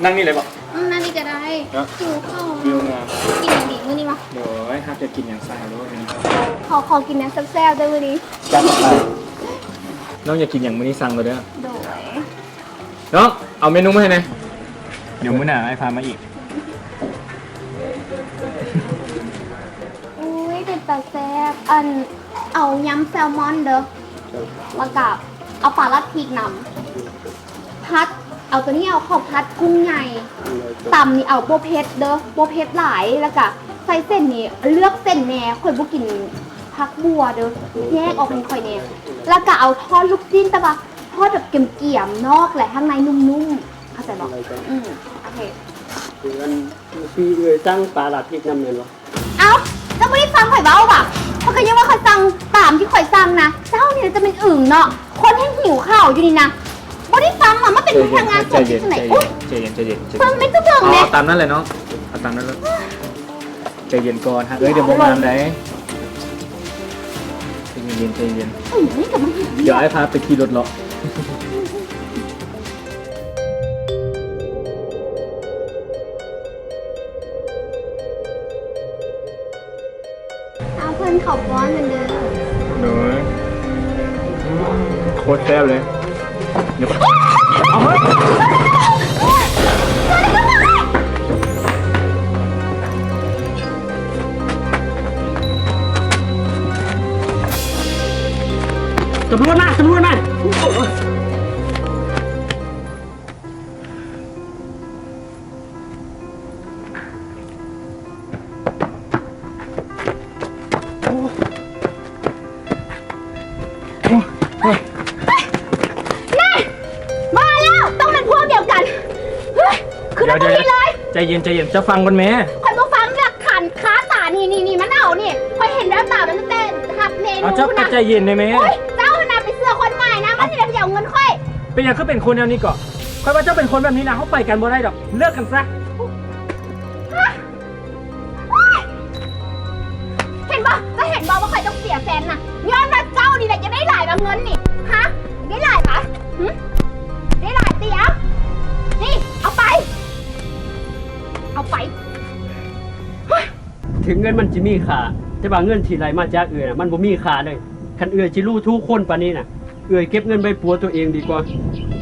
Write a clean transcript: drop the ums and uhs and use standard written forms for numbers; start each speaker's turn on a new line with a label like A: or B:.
A: นั่งนี่เลยบอก
B: นั่นนี่ก็ได้หิวข้าว
A: วิวงาม
B: กินอย่างดีมื้อนี้มา
A: เดี๋ยวห้ามจะกินอย่างซ่าด้วยนี่
B: ขอกินน้ำแซ่บๆด้วยมื้อนี้
A: จัดไปน้องอยากกินอย่างมื้อนี้สั่งเลยเด้อ
B: โดย
A: น้องเอาเมนูมาให้หน่อยเดี๋ยวมื้อหน้าไอ้พามาอีก
B: อุ้ยเป็นตาแซ่บเอายำแซลมอนเด้อแล้วก็เอาปลาลัดพริกนำพัดเอาตัวนี้เอาข้าวพัดกุ้งใหญ่ตำนี่เอาโบเพชรเด้อโบเพชรหลายแล้วก็ใส่เส้นนี่เลือกเส้นแหน่ข่อยบ่กินผักบัวเด้อแยกออกเป็นข่อยแหน่แล้วก็เอาทอดลูกจิ้นแต่ว่าทอดแบบเกรียมๆนอกและข้างในนุ่มๆเข้าใจบ่โอเค
C: คืออันพี่เอ่ยตั้งปลาหลัดพริกน้ำเงินวะ
B: เอ้าเจ้าไม่ได้ฟังข่อยเบ้าป่ะเพราะก็ยังว่าข่อยสั่งตามที่ข่อยสั่งนะเจ้าเนี่ยจะเป็นอึ่งเนาะคนให้หิวข้าวอยู่นี่นะไม่ได้ฟังอ่ะมันเป็นพนักงานสดที่ไหนอุ้ย
A: ใจเย็นใจเย็น
B: ฟังไม่ต้องเบิ่งเลย
A: เอาตามนั้นเลยเนาะเอาตามนั้นเลยใจเย็นก่อนฮะเดี๋ยวโมงานได้ใจเย็นใจเย็น
B: นี่กับมันหิว
A: เดี๋ยวไอ้พาไปขี่รถเลาะ
B: เอาเพื่อนเขาป้อนเหมือนเดิม
A: เนยโคตรแซ่บเลยเดี๋ยวเอาเฮ้ย
C: ตำรวจมาตำรวจมา
B: มาแล้วต้องเป็นพวกเดียวกันเฮ้ยคือนาทีเลย
A: ใจเย็นใจเย็นจะฟังกันไหม
B: ข่อยมาฟังหลักขันค้าตานี่มันเอานี่ข่อยเห็นแล้วตามันเต้นทับเมนู
A: เอาเจ้า
B: นะ
A: ใจเย็นได้ไหม
B: โอ้ยเจ้าน่ะไปเสื้อคนใหม่นะมันจะได้เอาเงินค่อย
A: เป็นอย่างก็เป็นคนแนวนี้ก่อนคอยว่าเจ้าเป็นคนแบบนี้นะเขาไปกันบ่ได้ดอกเลิกกันซะ
B: เห็นปะก็เห็นบอกว่าใครต้องเสียแฟนน่ะย้อนว่าเจ้านี่แหละจะได้หลายกับเงินนี่ฮะได้หลายปะหึได้หลายเตี๋ยวนี่เอาไป เอาไป
C: ถึงเงินมันจะมีค่าแต่ว่าเงินที่ไหลมาจากเอ่ยน่ะมันบ่มีค่าเลยคันเอ่ยจิรู้ทุกคนปานนี้น่ะเอ่ยเก็บเงินไว้ปัวตัวเองดีกว่า